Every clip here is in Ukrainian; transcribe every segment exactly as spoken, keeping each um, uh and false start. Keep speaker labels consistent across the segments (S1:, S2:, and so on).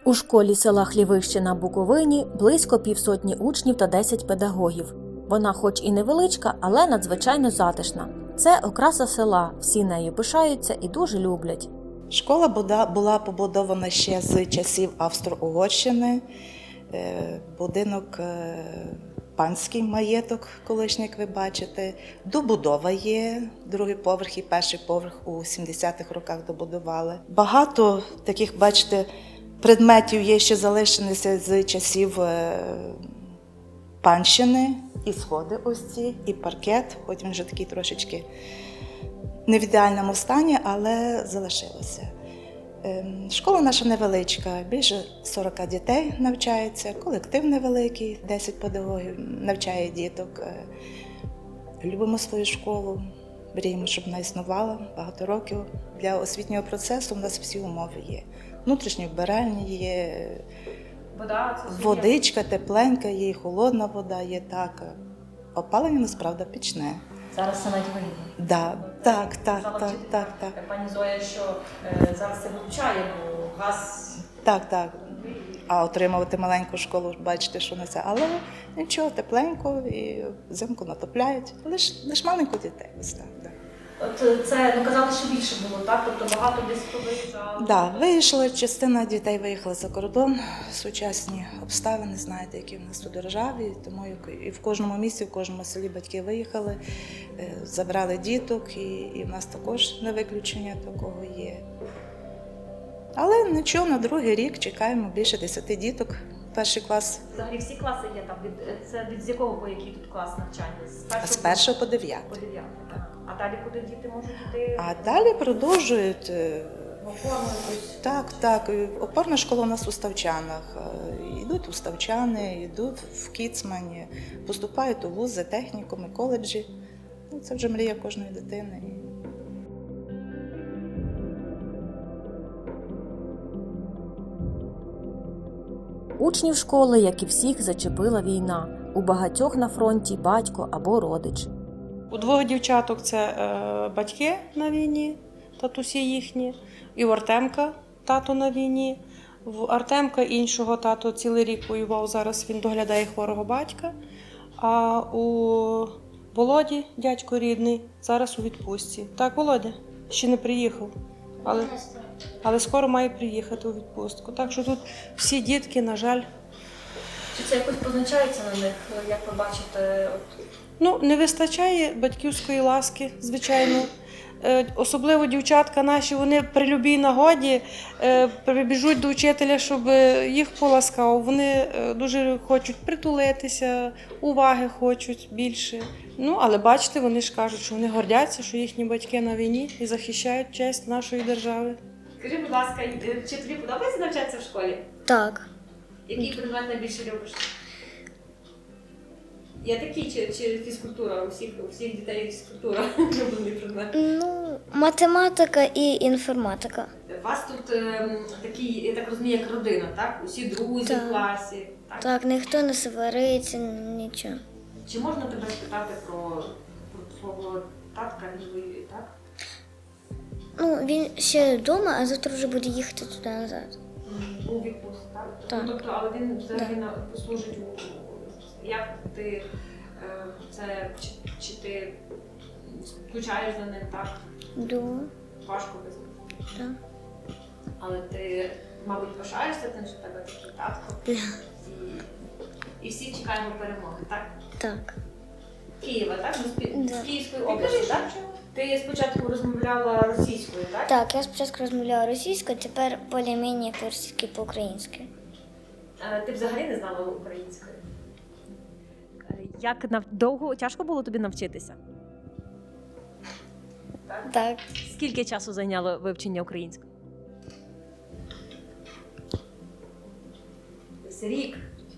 S1: У школі села Хлівище на Буковині близько півсотні учнів та десять педагогів. Вона хоч і невеличка, але надзвичайно затишна. Це окраса села, всі нею пишаються і дуже люблять.
S2: Школа була побудована ще з часів Австро-Угорщини. Будинок панський маєток, колишній, як ви бачите. Добудова є, другий поверх і перший поверх у сімдесятих роках добудували. Багато таких, бачите, предметів є, що залишилися з часів панщини. І сходи ось ці, і паркет, хоч він вже такий трошечки не в ідеальному стані, але залишилося. Школа наша невеличка, більше сорок дітей навчається, колектив невеликий, десять педагогів навчає діток. Любимо свою школу, мріємо, щоб вона існувала багато років. Для освітнього процесу у нас всі умови є. Внутрішні вбиральні є,
S3: вода, це
S2: водичка тепленька, є, і холодна вода є, так. Опалення, насправді, пічне.
S3: Зараз це навіть вигідно.
S2: Да, так, так, так, так, так, так.
S3: Пані Зоя, що е, зараз це вивчає, бо газ...
S2: Так, так. А отримувати маленьку школу, бачите, що не це. Але нічого, тепленько і взимку натопляють. Лиш, лиш маленько дітей. Ось так, да.
S3: От це, ну, казали, що більше було, так? Тобто багато десь виїжджало?
S2: Так, да, вийшла, частина дітей виїхала за кордон. Сучасні обставини, знаєте, які в нас тут у державі. Тому і в кожному місті, в кожному селі батьки виїхали, забрали діток, і, і в нас також не виключення такого є. Але нічого, на другий рік чекаємо більше десяти діток. Перший клас.
S3: Взагалі всі класи є там? Від, це від з якого по який тут клас навчання? З першого,
S2: З першого по дев'ятий.
S3: По дев'ятий, так. А далі куди діти можуть йти?
S2: А далі продовжують.
S3: В опорну якусь?
S2: Так, так. Опорна школа у нас у Ставчанах. Йдуть у Ставчани, йдуть в Кіцмані, поступають у вузи, технікуми, коледжі. Це вже мрія кожної дитини.
S1: Учнів школи, як і всіх, зачепила війна. У багатьох на фронті батько або родич.
S4: У двох дівчаток це е, батьки на війні, татусі їхні, і у Артемка тато на війні. В Артемка іншого тато цілий рік воював, зараз він доглядає хворого батька. А у Володі, дядько рідний, зараз у відпустці. Так, Володя ще не приїхав, але, але скоро має приїхати у відпустку. Так що тут всі дітки, на жаль.
S3: Чи це якось позначається на них, як ви бачите? От...
S4: Ну, не вистачає батьківської ласки, звичайно. Е, особливо дівчатка наші, вони при любій нагоді е, прибіжуть до вчителя, щоб їх поласкав. Вони е, дуже хочуть притулитися, уваги хочуть більше. Ну, але бачите, вони ж кажуть, що вони гордяться, що їхні батьки на війні і захищають честь нашої держави.
S3: Скажи, будь ласка, чи тобі подобається навчатися в школі?
S5: Так.
S3: Який предмет найбільше любиш? Є такі, чи, чи фізкультура? У всіх, у всіх дітей фізкультура улюблений предмет?
S5: Ну, математика і інформатика.
S3: У вас тут е, такі, я так розумію, як родина, так? Усі друзі
S5: Так.
S3: в класі. Так?
S5: Так, ніхто не свариться, нічого.
S3: Чи можна тебе спитати про, про свого татка, він воює, так?
S5: Ну, він ще вдома, а завтра вже буде їхати туди назад.
S3: У відпустці, так?
S5: Так.
S3: Ну, тобто, але він взагалі
S5: Да.
S3: на- служить у... Як ти е, це, чи, чи ти скучаєш за ним, так?
S5: Йду.
S3: Важко без ним.
S5: Так.
S3: Але ти, мабуть, пишаєшся тим, що в тебе такий татко. І, і всі чекаємо перемоги, так?
S5: Так.
S3: Києва, так? З, Пі-
S5: Да.
S3: з Київської області, так? Ти спочатку розмовляла російською, так?
S5: Так, я спочатку розмовляла російською, тепер більш-менш по-російськи, по-українськи.
S3: Е, Ти взагалі не знала української?
S1: Як нав... довго, тяжко було тобі навчитися?
S5: Так.
S1: Скільки часу зайняло вивчення української?
S3: Десь рік.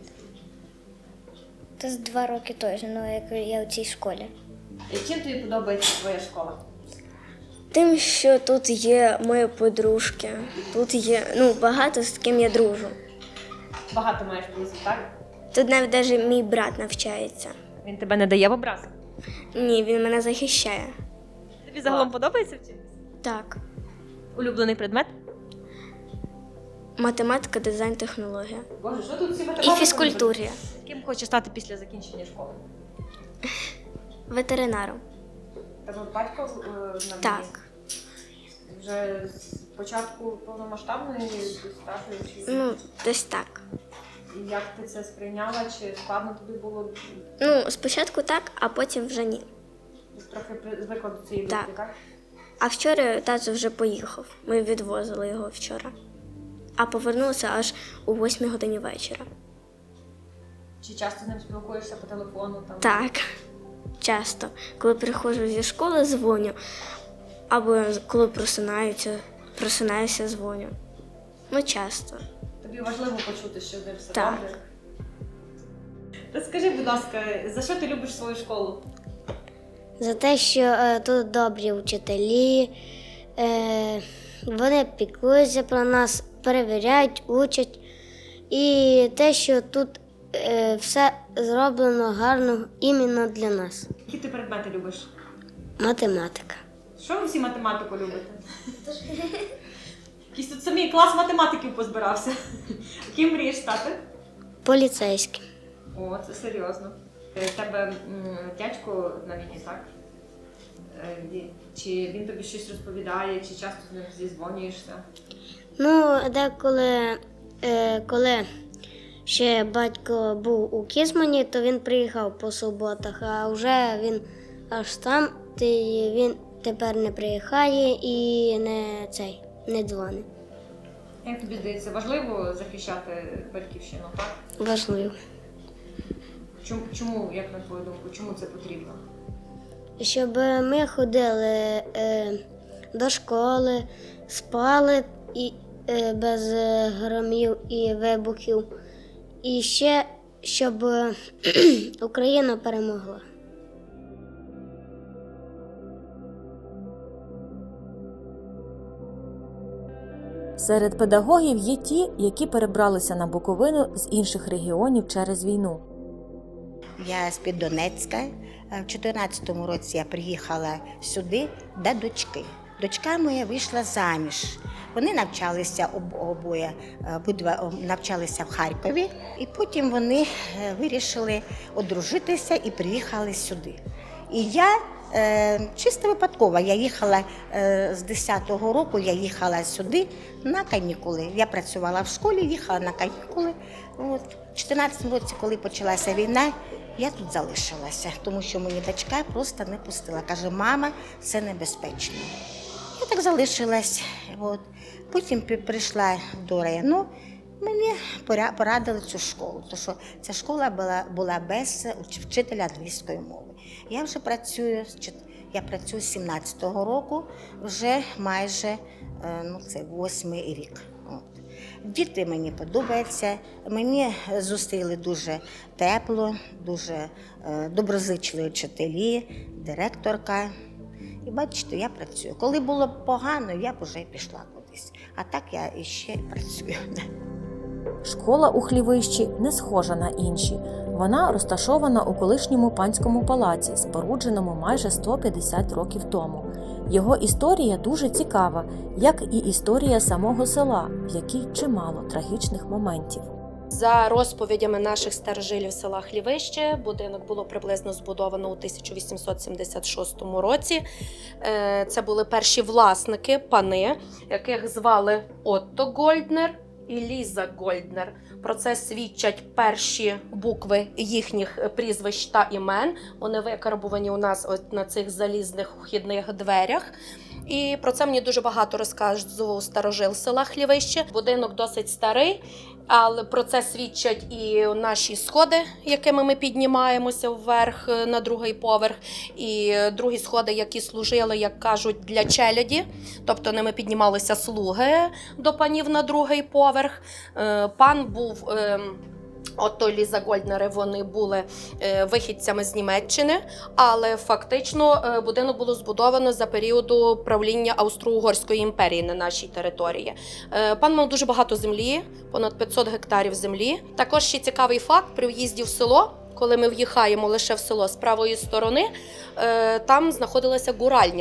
S5: Це з два роки точно, ну, як я у цій школі.
S3: І чим тобі подобається твоя школа?
S6: Тим, що тут є мої подружки, тут є ну, багато з ким я дружу.
S3: Багато маєш друзів, так?
S6: Тут навіть навіть мій брат навчається.
S1: Він тебе не дає в образ?
S6: Ні, він мене захищає.
S1: Тобі загалом подобається вчитися?
S6: Так.
S1: Улюблений предмет?
S6: математика, дизайн, технологія.
S3: Боже, що тут всі
S6: І
S3: математики?
S6: фізкультурі.
S3: Ким хочеш стати після закінчення школи?
S6: Ветеринаром.
S3: Тебе батько е, на війні?
S6: Так.
S3: Вже з початку повномасштабної старшої чи
S6: Ну, десь так.
S3: і як ти це сприйняла? Чи складно тобі було
S6: Ну, спочатку так, а потім вже ні.
S3: трохи при- звикла до цієї
S6: Так.
S3: думки, так?
S6: А вчора тато вже поїхав. Ми відвозили його вчора. А повернулися аж у восьмій годині вечора.
S3: Чи часто з ним спілкуєшся по телефону? Там?
S6: Так, часто. Коли приходжу зі школи, дзвоню. Або коли просинаюся, просинаюся, дзвоню. Ну, часто.
S3: Тобі важливо почути, що з ним все
S6: Так.
S3: добре? Розкажи, будь ласка, за що ти любиш свою школу?
S7: За те, що е, тут добрі вчителі, е, вони піклуються про нас, перевіряють, учать. І те, що тут е, все зроблено гарно іменно для нас.
S3: Які ти предмети любиш?
S7: Математика.
S3: Що ви всі математику любите? Якийсь тут самий клас математиків позбирався. Ким мрієш стати?
S7: Поліцейським.
S3: О, це серйозно. Е, В тебе м, дядько на війні, так? Е, ві- Чи він тобі щось розповідає, чи часто з ним зізвонюєшся?
S7: Ну, деколи, е, коли ще батько був у Кізмані, то він приїхав по суботах, а вже він аж там, то й він тепер не приїхає і не цей, не дзвонить.
S3: Як тобі здається, важливо захищати батьківщину, так?
S7: Важливо.
S3: Чому, чому, як на твою думку, чому це потрібно?
S7: Щоб ми ходили е, до школи, спали і, е, без е, громів і вибухів. І ще, щоб е, Україна перемогла.
S1: Серед педагогів є ті, які перебралися на Буковину з інших регіонів через війну.
S8: Я з-під Донецька. В чотирнадцятому році я приїхала сюди до дочки. Дочка моя вийшла заміж. Вони навчалися об- обоє, обидва навчалися в Харкові, і потім вони вирішили одружитися і приїхали сюди. І я е, чисто випадково, я їхала е, з десятого року, я їхала сюди на канікули. Я працювала в школі, їхала на канікули. От. В чотирнадцятому році, коли почалася війна, я тут залишилася, тому що мені дочка просто не пустила. Каже, мама, це небезпечно. Я так залишилась. От. Потім пі- прийшла до району, мені поря- порадили цю школу, тому що ця школа була, була без уч- вчителя англійської мови. Я вже працюю, з чот- я працюю з сімнадцятого року, вже майже е, ну, це восьмий рік. От. Діти мені подобаються, мені зустріли дуже тепло, дуже е, доброзичливі вчителі, директорка. І бачите, я працюю. Коли було погано, я б вже пішла кудись. А так я іще працюю.
S1: Школа у Хлівищі не схожа на інші. Вона розташована у колишньому панському палаці, спорудженому майже сто п'ятдесят років тому. Його історія дуже цікава, як і історія самого села, в якій чимало трагічних моментів.
S9: За розповідями наших старожилів села Хлівище, будинок було приблизно збудовано у тисяча вісімсот сімдесят шостому році. Е, Це були перші власники, пани, яких звали Отто Гольднер і Ліза Гольднер. Про це свідчать перші букви їхніх прізвищ та імен. Вони викарбувані у нас от на цих залізних вхідних дверях. І про це мені дуже багато розказував старожил села Хлівище. Будинок досить старий, але про це свідчать і наші сходи, якими ми піднімаємося вверх на другий поверх, і другі сходи, які служили, як кажуть, для челяді, тобто ними піднімалися слуги до панів на другий поверх. Пан був... Отто Ліза Гольднери, вони були е, вихідцями з Німеччини, але фактично е, будинок було збудовано за періоду правління Австро-Угорської імперії на нашій території. Е, пан мав дуже багато землі, понад п'ятсот гектарів землі. Також ще цікавий факт, при в'їзді в село, коли ми в'їхаємо лише в село з правої сторони, е, там знаходилася гуральня.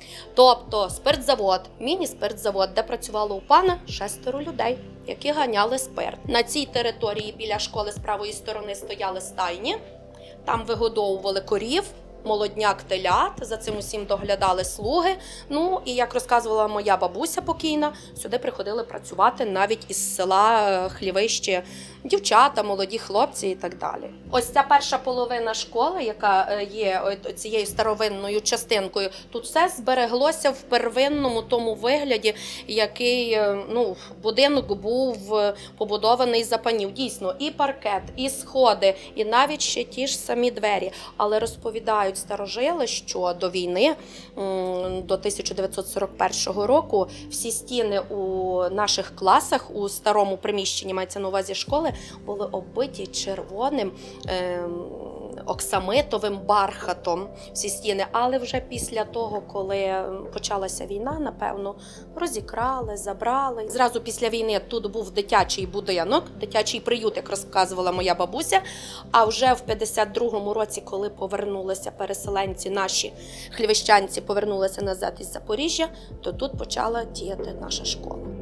S9: Тобто спиртзавод, міні-спиртзавод, де працювало у пана шестеро людей, які ганяли спирт. На цій території біля школи з правої сторони стояли стайні, там вигодовували корів, молодняк телят, за цим усім доглядали слуги. Ну і як розказувала моя бабуся покійна, сюди приходили працювати навіть із села Хлівище дівчата, молоді хлопці і так далі. Ось ця перша половина школи, яка є цією старовинною частинкою, тут все збереглося в первинному тому вигляді, який, ну, будинок був побудований за панів. Дійсно, і паркет, і сходи, і навіть ще ті ж самі двері. Але розповідають старожили, що до війни, до тисяча дев'ятсот сорок першого року, всі стіни у наших класах, у старому приміщенні, мається на увазі школи, були оббиті червоним е, оксамитовим бархатом всі стіни. Але вже після того, коли почалася війна, напевно, розікрали, забрали. Зразу після війни тут був дитячий будинок, дитячий приют, як розказувала моя бабуся. А вже в п'ятдесят другому році, коли повернулися переселенці, наші хлівищанці повернулися назад із Запоріжжя, то тут почала діяти наша школа.